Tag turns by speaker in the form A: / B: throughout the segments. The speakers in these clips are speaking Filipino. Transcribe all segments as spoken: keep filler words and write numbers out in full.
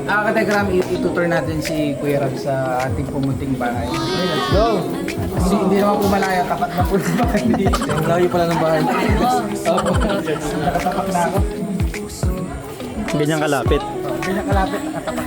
A: Ah, Kategram, itutur natin si Kuya Rab sa ating pumuting bahay. Okay, let's go! Kasi hindi naman po malaya, tapat na po ng bahay.
B: Ang layo pala ng bahay.
A: Opo, nakatapak na ako.
C: Ganyan kalapit.
A: Ganyan kalapit, nakatapak.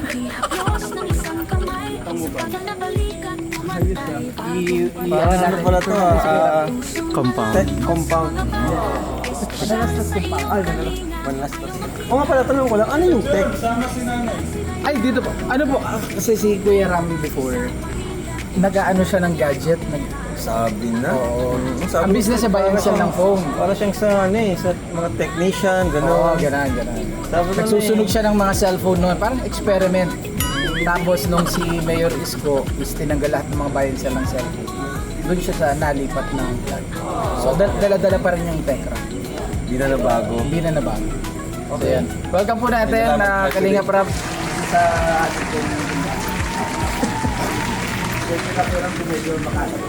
A: I, i,
B: Parang ano pala to ah, ah,
C: Compound.
B: tech compound.
A: Manalastas kung pa. Ay, manalastas.
B: Manlastas. O nga pala, tanong ko lang, ano yung tech?
A: Ay, dito po. Ano po, ah, kasi si Kuya Rami before, nag-ano siya ng gadget. Nag,
B: Sabi na.
A: Oo.
B: Ang sabi
A: Ang
B: ko,
A: business niya bayan
B: para
A: siya
B: siyang-
A: ng phone.
B: Para siyang sa ano eh, sa mga technician,
A: Oo,
B: gano'n.
A: ganun, ganun.
B: Sabi ko
A: Nagsusunog
B: na eh.
A: siya ng mga cellphone noon, parang experiment. Tapos nung si Mayor Isko is tinanggal lahat ng mga bayan siya ng cellphone. Doon siya sa nalipat ng vlog. So dal- dala-dala pa rin yung Tekra.
B: Hindi na nabago.
A: Hindi na nabago. So yan. Welcome po natin
B: Salamat,
A: na
B: President.
A: Kalinga Prab sa ating po. Medyo makasap.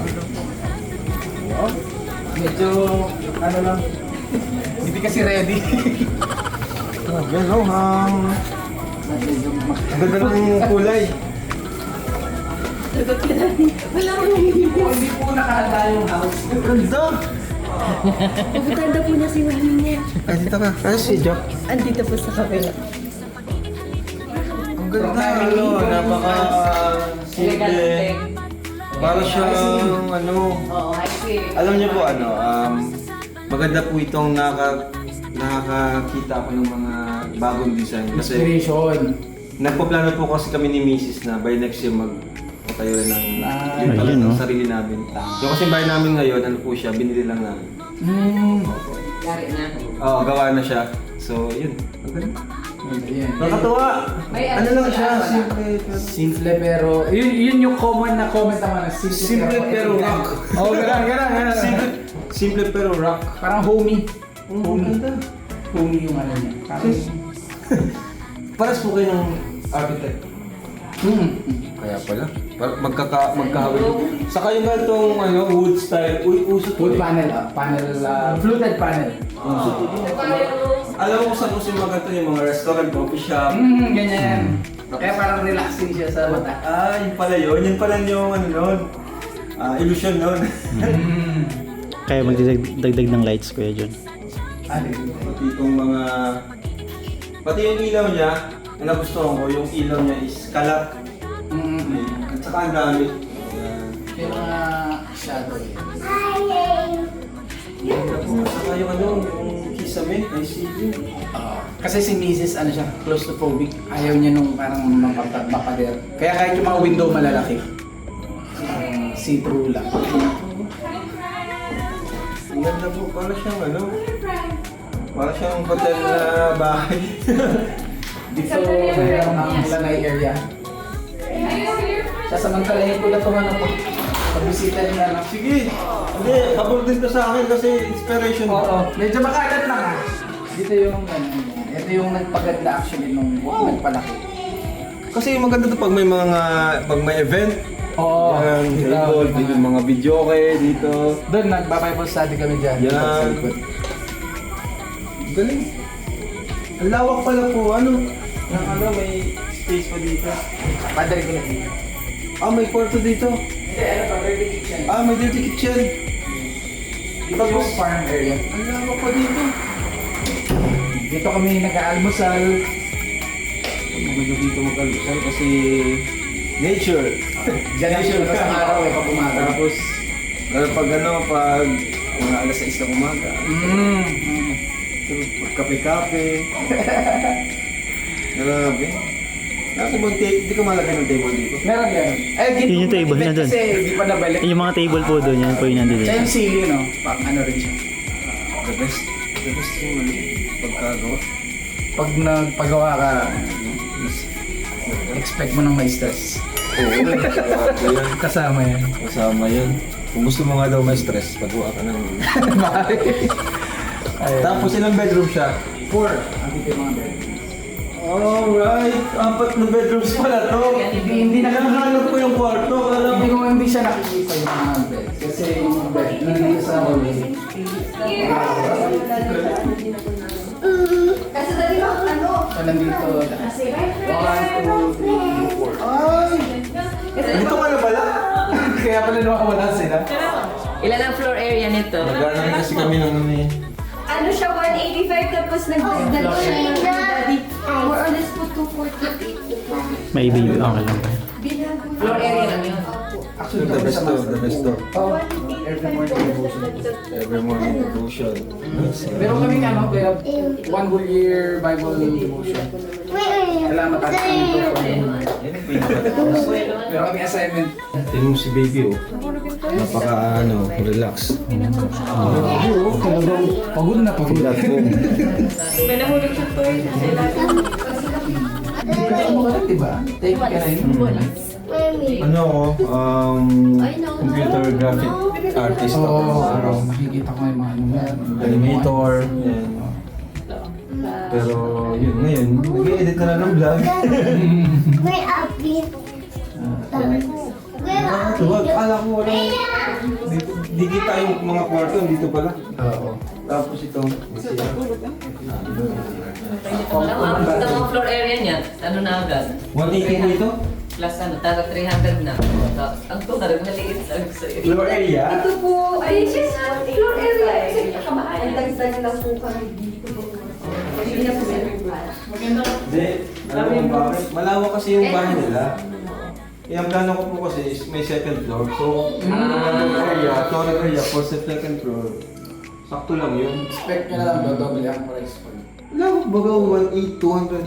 A: Medyo ano lang. Hindi kasi ready.
B: Ah, yan oh, hang.
A: Medyo mak-
B: Ang ganda ng kulay.
A: Hindi po nakahanda yung house.
B: Ganda!
D: Pupuntahan daw po niya si Mami niya.
B: Ay, dito ka. Ano si Jock?
D: Andito po sa kabila.
B: Ang ganda, ano, napaka simple. Para siyang, ano, alam niyo po, ano, um, maganda po itong naka, nakakakita ako ng mga bagong design. Kasi
A: Inspiration.
B: nagpaplano po kasi kami ni Missus na by next year magpatayo rin ng
A: Ah,
B: yung
C: ayun,
B: talagang
C: no?
B: sarili namin. Yung kasi bahay namin ngayon, ano po siya, binili lang namin.
A: Hmm.
B: Oo, gawa na siya. So, yun. Ang ganda.
A: Ayan.
B: Nakatuwa! Ano lang siya, simple. pero-
A: Simple pero, yun, yun yung common na comment naman. Simple,
B: Simple pero rock.
A: Oo, oh, gano'n, gano'n, gano'n.
B: Simple, simple pero rock.
A: Parang homey.
B: Ang
A: Homey.
B: ganda.
A: Homey yung ano niya. Parang,
B: Paras po kayo ng architect.
A: hmm.
B: Kaya pala. Par- magkaka magkahawig. Saka yung ganitong ano, wood style. Uy, uso to.
A: Wood
B: eh.
A: panel, ah. Panel, ah, fluted panel.
B: Uso to. Alam mo kung saan uso yung mga ganito, yung mga restaurant, coffee shop.
A: Hmm, ganyan. Kaya parang relaxing siya sa mata.
B: Ah, yun pala yun. Yun pala yung ano nun. Ah, illusion nun.
A: Hmm.
C: Kaya magdagdag ng lights, Kuya John.
A: Ah, di-
B: Pati itong mga... Pati yung ilaw niya, ang nagustuhan ko, yung ilaw niya is kalat.
A: Hmm.
B: At saka ang dami. Ayan.
A: Yung mga shadow.
B: Ganda po. Saka yung ano, yung kisame, ay sige.
A: Ah, kasi si Missus ano siya, claustrophobic. Ayaw niya nung parang mapag- mapader. Kaya kahit yung mga window malalaki, ah, see-through lang.
B: Ang ganda po, para siyang ano, para siyang hotel na bahay.
A: Dito mayroon ang lanay area. Sasamantalahin ko lang itong ano po. Pagbisita nila lang.
B: Sige, hindi, habol din to sa akin kasi inspiration.
A: Oo, medyo makalat lang ah. Dito yung ano, ito yung nagpaganda actually nung nagpalaki.
B: Kasi maganda to pag may mga, pag may event.
A: Oo,
B: Yan,
A: dito,
B: table,
A: mga-
B: dito mga video kayo dito.
A: Doon, nagba-Bible study kami dyan.
B: Yan.
A: Sa likod.
B: Galing. Ang lawak pala po, ano, ng ano, may space pa dito.
A: Padre ko na dito.
B: Ah, may kwarto dito.
A: Hindi, ano pa, dirty kitchen.
B: Ah, may dirty kitchen.
A: Dito yung farm area.
B: Ang lawak pa dito.
A: Dito kami nag-aalmusal.
B: Maganda dito mag-alusal kasi nature.
A: Diyan lang siya sa araw eh, pag umaga.
B: Tapos, lalo pag ano, pag mga alas sais ng umaga,
A: Mm.
B: magkape-kape. Grabe. Ako mag hindi ko malagay ng table dito.
A: Meron yan. Eh, di
C: Yun yung table na dun.
A: Kasi hindi pa nabalik.
C: Yung mga table po doon, yan po yung nandito.
A: Siya yung ceiling, no? Pang ano rin siya.
B: The best. The best yung ano, pagkagawa.
A: Pag nagpagawa ka, expect mo nang may stress.
B: Oo, grabe yan.
A: Kasama yan.
B: Kasama yan. Kung gusto mo nga daw may stress, pagawa ka ng...
A: Ayun.
B: Tapos ilang bedroom siya?
A: Four. Ang dito yung mga bed.
B: Alright, apat na bedrooms pala to.
A: Hindi, hindi na
B: Nakahanap ko yung kwarto, alam
A: Hindi
B: mo.
A: ko hindi siya nakikita yung mga bed. Kasi yung bed, nandito sa hallway.
D: Kasi dali mo, ano?
A: So, nandito. One,
B: two, three, four.
A: Ay!
B: Dito ka na pala?
A: Kaya pala nawawala sila.
D: Ilan ang floor area nito?
B: Nagana kasi kami ng ano eh.
E: Ano siya, one eighty-five tapos nagdagdag siya ng body. More or less po two forty-eight.
C: May baby. Okay lang ba?
E: Binago na.
D: Floor area lang yun.
A: Actually,
B: The best to, the best to.
A: Oh, every morning devotion.
B: Every morning devotion.
A: Pero kami nga, no, kaya one whole year Bible devotion. Salamat at dito for
B: Yan ang pinaka-tapos.
A: Pero kami assignment.
B: Tingnan mo si baby oh. Napaka ano, relax.
A: Oo, talagang pagod na pagod.
B: Platform.
E: May nahulog siya to eh.
A: Hindi ka sumagat, diba? Take ka na yun.
B: Ano ako, um, computer graphic artist ako.
A: Oo, araw. Nakikita ko yung mga ano yan.
B: Animator. Yan. Pero yun, ngayon, nag-edit na lang ng vlog.
F: May upbeat.
B: Tuwag, ala ko wala. Dito, di kita yung mga kwarto, dito pala.
A: Oo.
B: Tapos ito.
D: Ang mga floor area niya, ano na agad?
B: one eighty po ito?
D: Plus ano, taga three hundred na. Tapos, ang tunar, maliit sa sa'yo.
B: Floor area?
E: Ito po, ay, yes, floor area. Kasi nakabahay. Ang dagdag lang po kami dito. Hindi na po meron pa.
B: Hindi. Alam mo kung bakit? Malawak kasi yung bahay nila. Eh, ang plano ko po kasi is may second floor. So, ang mm. area, total area for sa second floor, sakto lang yun.
A: Expect nyo na lang daw, double ang price po.
B: Lawak baga one eighty, two hundred.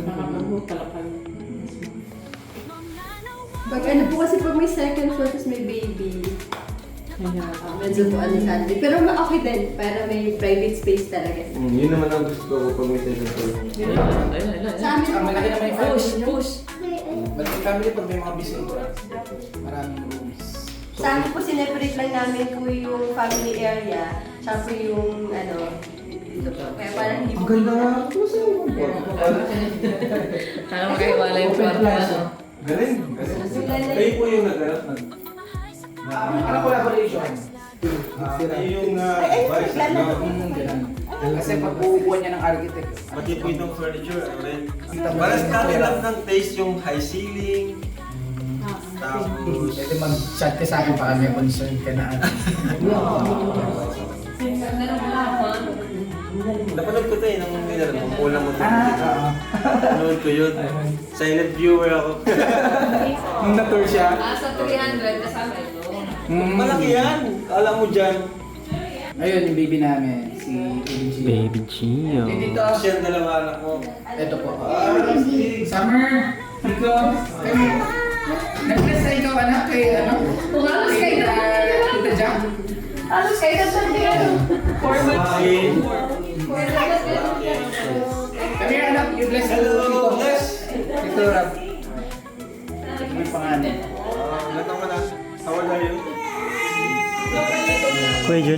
E: Pag ano po kasi pag may second floor tapos may baby, ah, medyo po ano sa atin. Pero ma- okay din, para may private space talaga.
B: Mm, yun naman ang gusto ko pag may second floor.
D: Ayun, ayun, ayun.
E: Sa amin
A: Ang malaki naman yung
D: Push,
A: family nyo.
D: push.
A: But yung family pag may mga bisita, maraming rooms.
E: Sa amin po, sineparate lang namin po yung family area, tsaka po yung ano, dito po. Kaya parang hindi
B: Ang
E: po
B: ganda nga.
E: kita.
B: Ano sa'yo yung kwarto?
D: Para makahiwala yung kwarto. Ano?
B: Galing. Galing. Kayo po yung naghanap ng...
A: Ano collaboration?
B: Ah, kayo yung uh, vice
E: lalo.
A: Mm, ganun. Kasi pag uupuan niya ng architect,
B: Pati po itong furniture, ano rin. Para sa natin lang ng taste yung high ceiling. Tapos...
A: pwede mag-chat ka sa akin baka may concern ka na.
B: Napanood ko ito eh, nung nila, nung kulang mo ito.
A: Ah,
B: Napanood ko yun. Silent viewer ako.
A: Nung na-tour siya.
D: Ah, sa three hundred, kasama ito.
A: Mm.
B: Malaki yan! Kala mo dyan.
A: Ayun, yung baby namin, si Baby Gio.
C: Baby Gio.
A: Eh, dito,
B: Tapos yan, dalawa anak ko.
A: ito po. Summer, Rico, nag-bless na ikaw anak kay ano?
E: Halos
A: Kay
E: kayo.
A: uh, Tita Jack.
E: Halos kayo na sabi ano. Four months.
B: Bye!
A: Come here anak, you bless
B: Hello!
A: Tito.
B: Bless!
A: Tito Rab. May pangalan.
B: Ah, ilan taon ka na? How old are you?
C: Kuya Jun,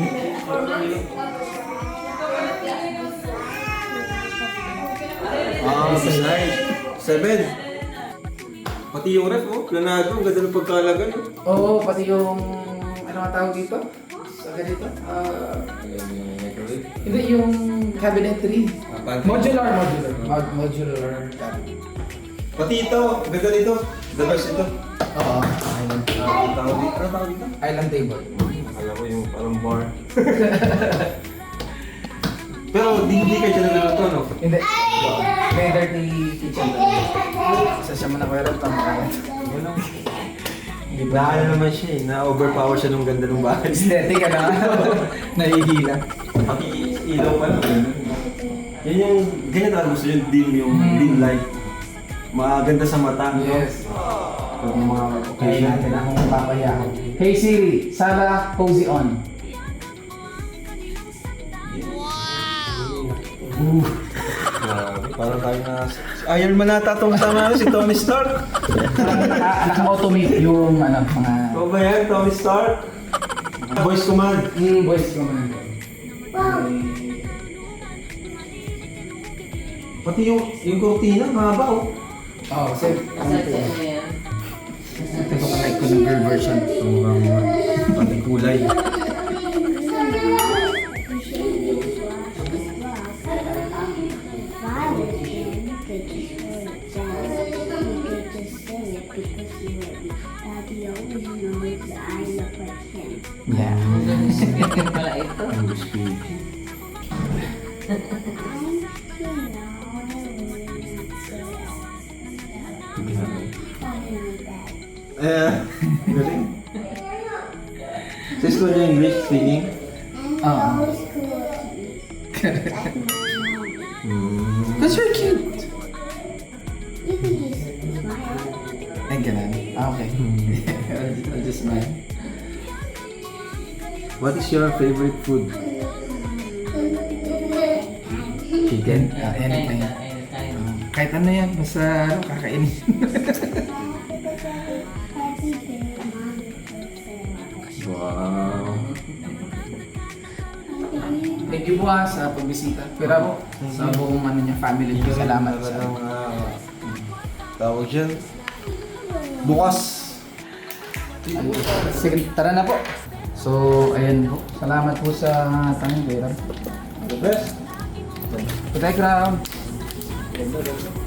B: Ah, nice. Seven. Pati yung ref, oh. Planado. Ang ganda ng pagkalagan, oh.
A: Oo, pati yung, ano nga tawag dito? Sa ganito? Ah, hindi, yung cabinetry.
B: Ah, pantry.
A: Modular, modular. Mod- modular cabinet.
B: Pati ito. Ang ganda nito. The best ito.
A: Oo.
B: Ah, ang tawag dito. Ano tawag dito?
A: Island table.
B: Akala ko yung parang bar. Pero di hindi kayo dyan naluluto, no?
A: Hindi. May dirty kitchen. Isa siya mo na kaya rin tamakalat.
B: Na ano naman siya eh, na-overpower siya nung ganda ng bahay.
A: Aesthetic ka na. Nahihila.
B: Pati ilaw pa lang. Yan yung, ganyan talaga gusto yung dim, yung dim light. Maganda sa mata. no?
A: Yes.
B: Pag mga
A: Kaya
B: occasion.
A: natin akong papayahan. Hey Siri, Sarah, cozy on.
B: Grabe, parang tayo na... Iron Man nata itong tama si Tony Stark.
A: Naka-automate yung ano, mga...
B: Ikaw ba yan, Tony Stark? Voice command.
A: Hmm, voice command.
B: Pati yung, yung cortina, mahaba oh.
A: Oo, kasi
D: Sa dyan na yan.
A: ito ko like ko ng girl version.
B: Sobrang pati kulay.
D: Ganyan pala ito.
B: English speaking. Eh, galing. Sa school niya English speaking?
A: Oo.
B: Hmm.
A: That's very cute.
F: You can just smile.
A: Ay, ganun. Ah, okay. I'll, I'll just smile.
B: What is your favorite food?
A: Chicken? Ah, anything.
D: Anytime.
A: Kahit ano yan, basta ano, kakainin.
F: Happy day, mommy.
B: Wow.
A: Thank you po ha sa pagbisita. Pero sa buong ano niya, family niyo, salamat sa
B: Talagang, ah, tawag dyan. Bukas.
A: Sige, tara na po. So, ayan po. Salamat po sa tanong, Kuya Ram.
B: The best.
A: Good background.